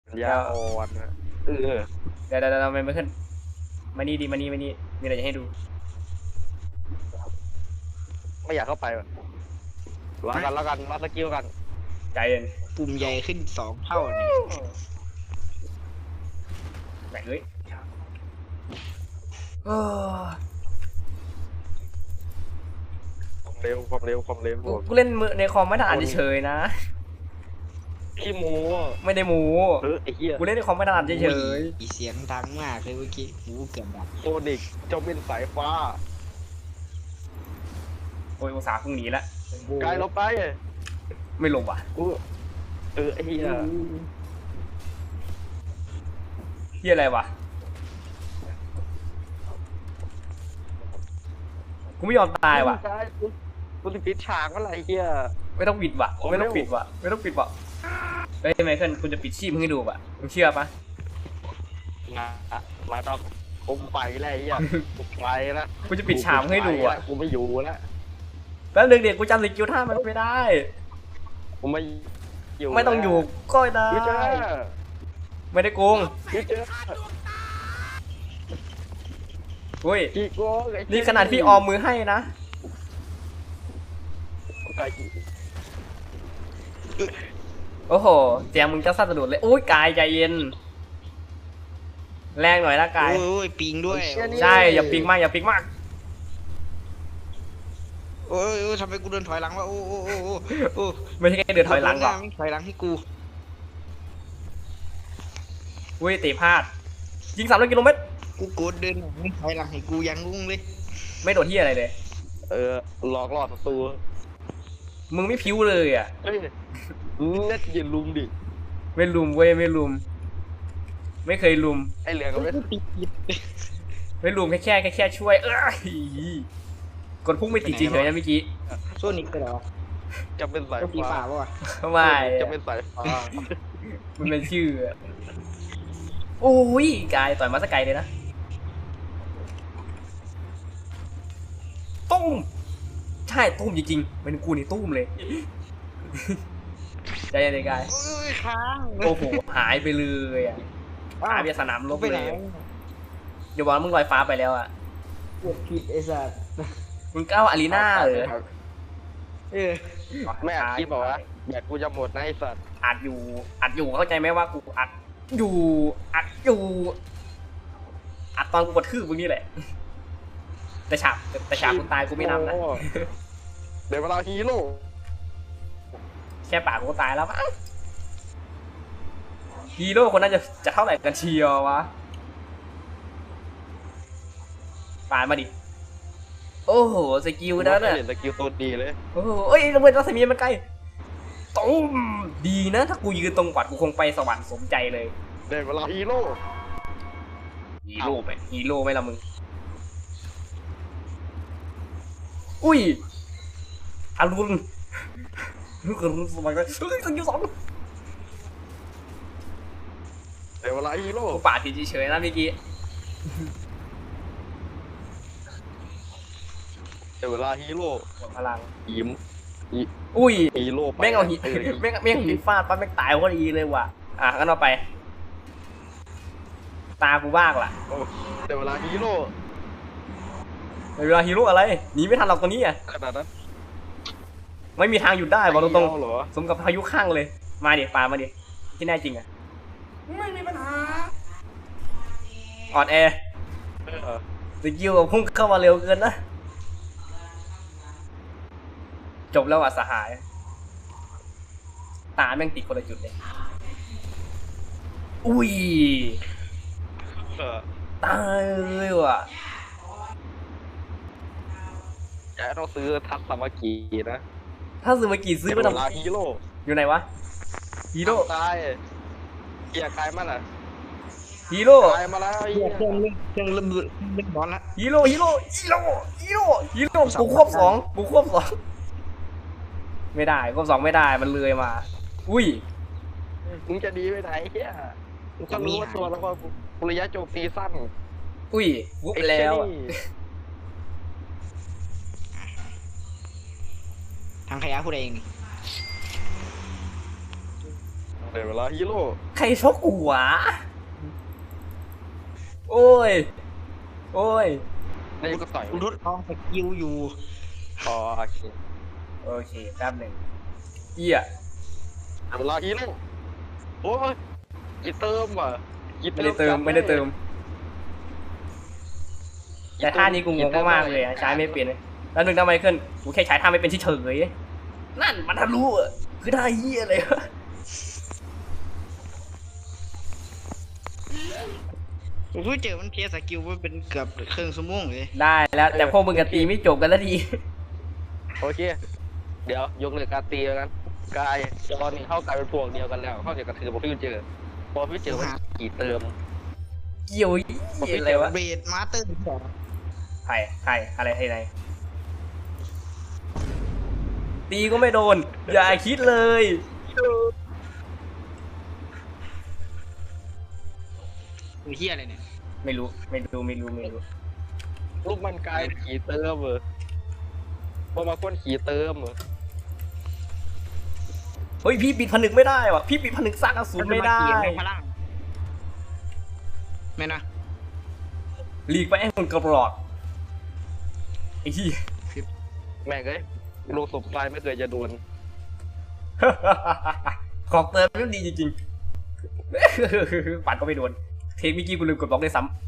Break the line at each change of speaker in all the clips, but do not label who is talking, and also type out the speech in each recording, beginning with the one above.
ยาอ่อนนะ
เดี๋ยวไม่ขึ้นมานี่มานี่มีอะไรจะให้ดู
ไม่อยากเข้าไปว่ะรอกันรอสกิลกัน
ใจเย็น
ปุ่มใหญ่ขึ้น2 เท่านี่
แหมเอ้ย
ความเร็ว
กูเล่นมือในคอมไม่ถนัดเฉยๆนะ
ขี้โม้
ไม่ได้หมู
ไอ้เหี้ย
กูเล่นในคอมไม่ถนัดเฉย
เสียงดังมากเลยเมื่อกี้หูเกือบดับ
โซนิกเจ้าเป็นสายฟ้า
โอ้ยอุตส่าห์พุ่งหนีละ
กายลงไป
ไม่ลงว่ะ
ไอ้เหี้ย
เฮียอะไรวะกูไม่ยอมตายว่ะ
กูจะปิดฉากเมื่อไหร่เหี้ย
ไม่ต้องปิดว่ะไม่ต้องปิดว่ะเฮ้ยไมเคิลคุณจะปิดชีพให้ดูป่ะมึงเชื่อปะ
มาต้องผมไปแล้วไอ้เหี้ยกูไปแล้ว
กูจะปิดฉากให้ดูอ่ะ
กูไม่อยู่แล้ว
แป๊บนึงเด็กกูจำสกิลท่ามันไม่ได้
กูไม่อยู่
ไม่ต้องอยู่ก็ได้ไม่ได้โกงอุ้ยนี่ขนาดพี่ออมมือให้นะโอ้โหแจมมึงจะสั่นสะดุดเลยอุ้ยกายใจเย็นแรงหน่อยละกาย
โอ้ยปิงด้วย
ใช่อย่าปิงมาก
โอ้ยทำไมกูเดินถอยหลังวะโอ้
ไม่ใช่แค่เดินถอยหลังหรอก
ถอยหลังให้กู
อุ้ยตีพลาดยิง300 กิโลเมตร
กูโกรธเดินถอยหลังให้กูยังงงเลย
ไม่โดนที่อะไรเลย
หลอกล่อศัตรู
มึงไม่พิ้วเลยอ่ะ
เน็ตอย่าลุมดิ
ไม่ลุมเว้ยไม่ลุมไม่เคยลุม
ไอเหลืองก็
ไม่ลุมแค่ช่วยกดพุ่งไม่ติดจริงเลยนะเมื่อกี้
โซนิกไปหรอ
จะเป็นสายฟ้า
ป่ะ
ไม่
จะเป็นสายฟ้า
มันเป็นชื่อโอ้ยกายต่อยมาสกายเลยนะตุ้มใช่ตุ้มจริงๆเป็นกูนี่ตุ้มเลยใจเย็นเลยกายโอ้โหหายไปเลยอ่ะหายไปสนามรบเลยเดี๋ยวบอกมึงลอยฟ้าไปแล้วอ่ะ
ปวดผิดไอ้สัส
มึงก้าวอารีนาเหรอ
ไม่อัดคลิปบอกว่าแบตกูจะหมดนะไอ้สัส
อัดอยู่เข้าใจไหมว่ากูอัดอยู่อัดตอนกูกดทื่อมึงนี่แหละแต่ฉากกูตายกูไม่นำนะ
เดี๋ยวเวลาฮีโร่
แค่ปากกูตายแล้วมั้งฮีโร่คนนั้นจะเท่าไหร่กันเชียววะปาดมาดิโอ้โหสกิลนั่นน่ะ
สกิลตัวดีเลย
โอ้โหเอ้ยระเบิดรัศมีมันไกลตุ้มดีนะถ้ากูยืนตรงกว่ากูคงไปสวรรค์สมใจเลย
เดี๋ยวเวลาฮีโร่
ไหมล่ะมึงอุ้ยอรุณสมัยนั้นสกิล2
เดี๋ยวเวลาฮีโร่
กูปาดทีเฉยๆนะเมื่อกี้
เดี๋ยวเวลาฮีโร่
พลัง
ยิ้ม
อุ้ย
ฮีโร่
แม่งเอาหินแม่งหินฟาดปั๊บแม่งตายก็ดีเลยว่ะงั้นเอาไปตากูบ้างล่ะ
เดี๋ยวเวลาฮีโร่
อะไรหนีไม่ทันหรอกตัวนี้อ่ะ
ขนาดนั้น
ไม่มีทางหยุดได้บอกตรงๆสมกับพายุข้างเลยมาดิปามาดิที่แน่จริงอ่ะไม่มีปัญหาอ่อนแอสกิลพุ่งเข้ามาเร็วเกินนะจบแล้วอ่ะสหายตาแม่งติดคนละจุดเลยอุ้ยตายเลยว่ะ
จะต้องซื้อทัศมากีนะ
ถ้าซื้อมากี่ซื้อมาทำ
ฮีโร่
อยู่ไหนวะฮีโร่
ตายเกียร์กายมันอ่ะ
ฮีโร่
กายมาแล้ว
เครื่องเริ่มบอลละ
ฮีโร่กูควบ2ไม่ได้ควบ2ไม่ได้มันเลยมาอุ้ย
มึงจะดีไปไหนเฮียมึงก็รู้ว่าตัวแล้วก็ระยะโจมตีสั้น
อุ้ยวุบไปแล้ว
ทางขยะพูดเอง
เดี๋ยวเวลาฮีโร่
ใครชกกูวะโอ้ยโอ้ย
นี่ก็ต่อย
กูทดลองสกิลอยู่
อ๋อโอเค
โอเคแป๊บหนึ่งเหี้ย
เดี๋ยวเวลาฮีโร่โอ้ยกี่เติมว่ะกี่
ไม่ได้เติมไม่ได้เติม แต่ท่านี้กูงงมากๆเลยอะใช้ไม่เป็นเลยแล้วนึงทำไมขึ้นกูแค่ใช้ท่าไม่เป็นเฉยๆนั่นมันทะลุอะคือท่าเหี้ยเลยวะ
กูเพิ่งเจอมันเพียสกิลว่าเป็นเกือบครึ่งชั่วโมงเลย
ได้แล้วแต่พวกมึงกับตีไม่จบกันแล้วดี
โอเคเดี๋ยวยกเลิกการตีแล้วนั้นกายตอนนี้เข้ากลายเป็นพวกเดียวกันแล้วเข้าเดียวกันคือพอพี่เจอพอพี่เจอมันกี่เติม
เกี่ยวเหี้ยอะไรวะ
เบรดมาสเตอร์สอง
ใครอะไรให้ไหนตีก็ไม่โดน อย่าคิดเลย
กูเฮียอะไรเนี่ย
ไม่รู้
รูปมันกลายขี่เติมเหรอพอมาก้นขี่เติมเหรอ
เฮ้ยพี่ปิดผนึกไม่ได้ว่ะพี่ปิดผนึกสร้างอสูรไม่ได้
พลังไม่นะ
หลีกไปไอ้คนกระปลอกไอ้ที่
แม่งเอ้ยลูกศพตายไม่เคยจะโดน
ของเติมมันดีจริงๆ ปัดก็ไม่โดน เทคเมื่อกี้กูลืมกดบล็อกได้ซ้ำ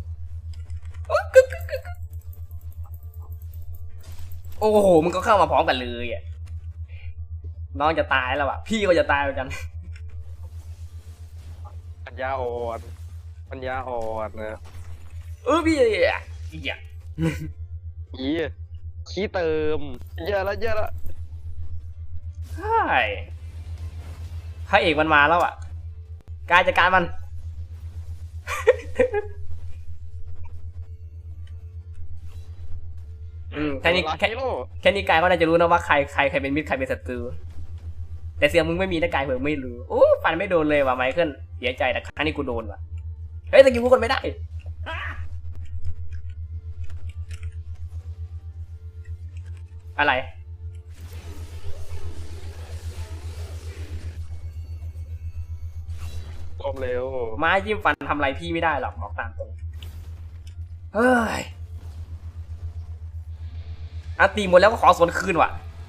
โอ้โหมึงก็เข้ามาพร้อมกันเลยอ่ะน้องจะตายแล้วอ่ะพี่ก็จะตายเหมือนกัน
ปัญญาอ่อนปัญญาอ่อนนะ
พี่อีกอ่ะ
อีขี้เติมเยอะละเยอะละ
ใช่พระเอกมันมาแล้วอ่ะกายจัดการมัน แค่นี้แค่นี้กายก็น่าจะรู้นะว่าใครเป็นมิตรใครเป็นศัตรูแต่เสียงมึงไม่มีนะกายเผื่อไม่รู้โอ้ฟันไม่โดนเลยว่ะไมเคิลเสียใจแต่ครั้งนี้กูโดนว่ะเฮ้ยตะกี้กูกดไม่ได้อะไร
ความเร็ว
ไม้จิ้มฟันทำอะไรพี่ไม่ได้หรอกบอกตามตรงเฮ้ยอันตีหมดแล้วก็ขอสวนคืนว่ะ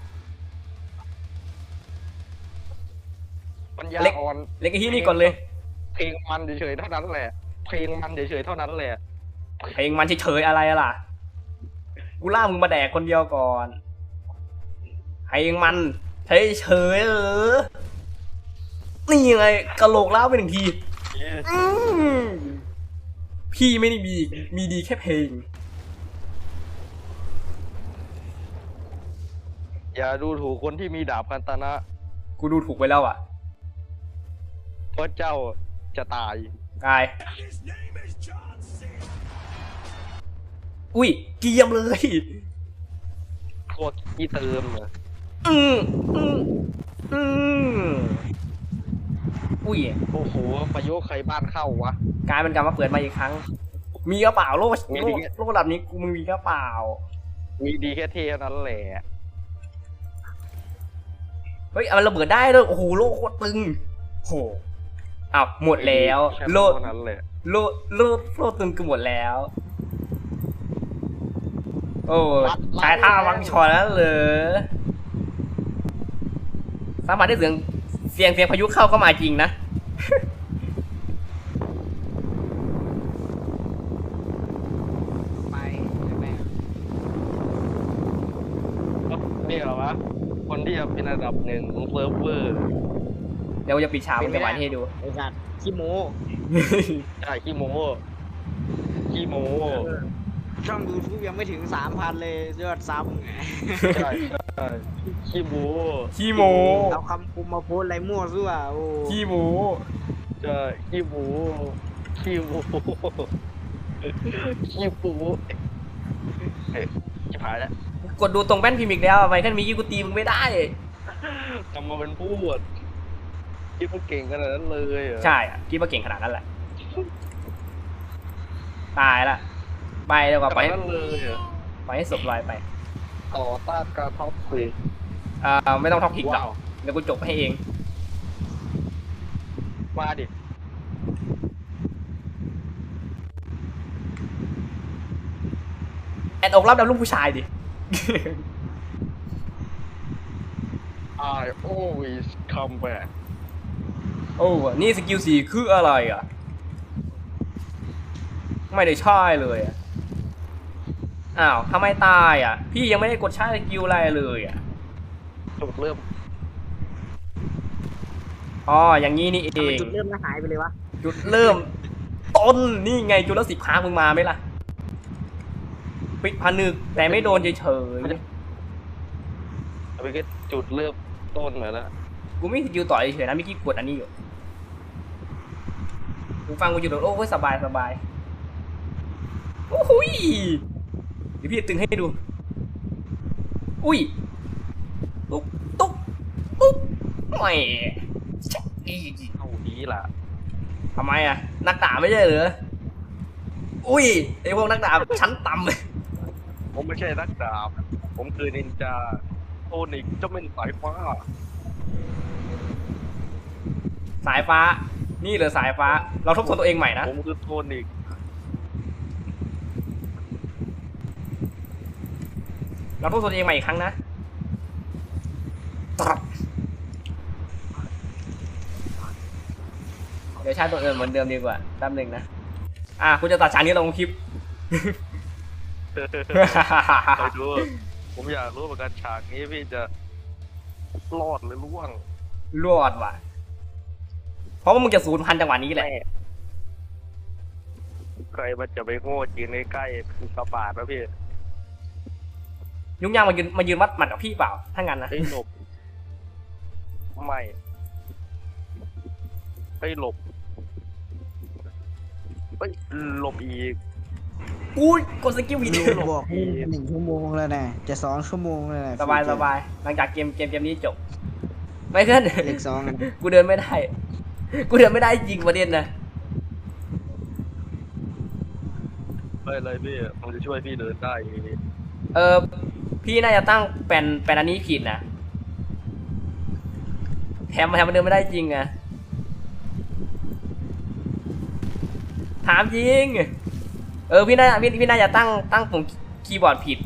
ปัญญาอ่อน
เล็กไอ้ที่นี่ก่อนเลย
เพลงมันเฉยๆเท่านั้นแหละเพลงมันเฉยๆเท่านั้นแหละ
เพลงมันเฉยๆอะไรล่ะกูล่ามึงมาแดกคนเดียวก่อนเพลงมันเฉยๆนี่ไงกะโหลกล้าวไปหนึ่งทีพี่ไม่ได้มีดีแค่เพลง
อย่าดูถูกคนที่มีดาบคันตนะ
กูดูถูกไปแล้วอ่ะ
เพราะเจ้าจะตาย
กายอุ้ยเกียมเลย
พวกขี้เติมเหรอ
อุ้ย
โอ้โหประโยคใครบ้านเข้าวะ
กายเป็นการมาเปิดมาอีกครั้ง มีกระเป๋าโลก
มีดิ
ระดับนี้กูมึงมีกระเป๋า
มีดีแค่เท่านั้นแหละ
เฮ้ยมันระเบิดได้ด้วยโอ้โหโลกโคตรตึงโหอ้าวหมดแล้วโลด
เท่านั้นแหละ
โลดตึงคือหมดแล้ว โอ้ใช้ท่าวังชอแล้วเหรอสามารถได้เสียงพายุเข้ามาจริงนะ
ไปแม่
นี่เหรอวะคนที่จะเป็นอันดับหนึ่งของเซิร์ฟเวอร์
เดี๋ยวจะปิดฉากมันจะหวานให้ดู
ไอ้สัตว์ขี้โม
ใช่ขี้โม้ขี้โม้
ช่อง YouTube ยังไม่ถึง 3,000 เลยยอดซับ
ใช่ใช่ขี้โม้
ขี้โม
เอาคำคุมมาโพสอะไรมั่วซั่วโอ้
ขี้โม
ใช่ขี้โม้ขี้โม้ขี้โม้ชิบหายแล้ว
กดดูตรงแป้นพิมพ์อีกแล้วไปขั้นมีกี้กูตีมึงไม่ได้
ทำมาเป็นพูดคิดว่าเก่งขนาดนั้นเลยเหรอ
ใช่อะคิดว่าเก่งขนาดนั้นแหละ ตายละไปแล้วก็
ข
ไป
นาดนั้นเลยเหรอ
ไปให้ศพลอยไป
ต่อต้านการท็อปสิ
ไม่ต้องท็อกพิกหรอก
ว้าว
เดี๋ยวกูจบให้เอง
มาดิ
แอนอกรับดำลูกผู้ชายดิ
I always come back
โอ้นี่สกิล4คืออะไรอ่ะ ไม่ได้ใช่เลยอ่ะ อ้าวทำไมตายอ่ะ พี่ยังไม่ได้กดใช้สกิลอะไรเลยอ่ะ
จุดเริ่ม
อ๋อ อย่างนี้นี่เอ
ทำไม
ง
จุดเริ่มแล้วหายไปเลยวะ
จุดเริ่ม ต้น นี่ไงจุดละ10 ครั้งมึงมาไหมล่ะ ปิดผนึกแต่ไม่โดนเฉย
เอาไปก็จุดเริ่มต้นมาแล้ว
ๆ กูไม่สกิลต่อยเฉยๆนะไม่คิดกดอันนี้อยู่กูฟังกูอยู่โดดโอ้ยสบายสบายโอ้โหยเดี๋ยวพี่จะตึงให้ดู อุ้ย ตุ๊กตุ๊กตุ๊กแหม่ชักอี
เอาดีล่ะ
ทำไมอ่ะ นักดาบไม่ใช่เหรอ อุ้ยไอพวกนักดาบชั้นต่ำเลย
ผมไม่ใช่นักดาบ ผมคือนินจาโทนิกเจ้าเม่นสายฟ้า
สายฟ้า นี่เหรอสายฟ้า เราทบทวนตัวเองใหม่นะ
ผมคือโทนิก
เราทบทวนตัวเองใหม่อีกครั้งนะตรับเดี๋ยวใช้ตัวเอิญเหมือนเดิมดีกว่าแป๊บหนึ่งนะ คุณจะตัดฉากนี้ลงคลิป
ไปดู ผมอยากรู้เหมือนกันฉากนี้พี่จะรอดหรือร่วง
รอดว่ะ เพราะว่ามึงจะ0,000จังหวะนี้แหละ
ใครมันจะไปโง่จริงในใกล้เป็นกระบาดนะพี่
ยุ่งยากมายืนวัดหมัดกับพี่เปล่า ถ้างั้นนะ
ไอ้หลบ ไม่ไอ้หลบไอ้หลบอีก
อุ้ยกดสกิลผิด
ลุงบอกมึง1 ชั่วโมงแล้วนะจะ2 ชั่วโมงแล้วนะ
สบายสบายหลังจากเกมนี้จบ ไม่ขึ้น
เลข2อะ
กูเดินไม่ได้ กูเดินไม่ได้จริงประเด็นนะ
ไปเลยพี่ผมจะช่วยพี่เดินได้
พี่น่าจะตั้งแปลนอันนี้ผิดนะแถมมันเดินไม่ได้จริงอะถามจริง พี่น่าจะตั้งปุ่มคีย์บอร์ดผิด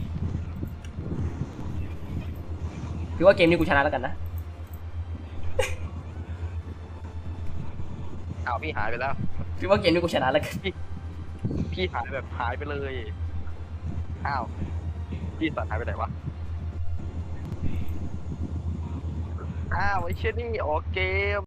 คือว่าเกมนี้กูชนะแล้วกันนะ
อ้าวพี่หายไปแล้ว
คือว่าเกมนี้กูชนะแล้วกัน
พี่หายแบบหายไปเลย อ้าว พี่สัตว์หายไปไหนวะ อ้าวไอ้เช่นนี่ออกเกม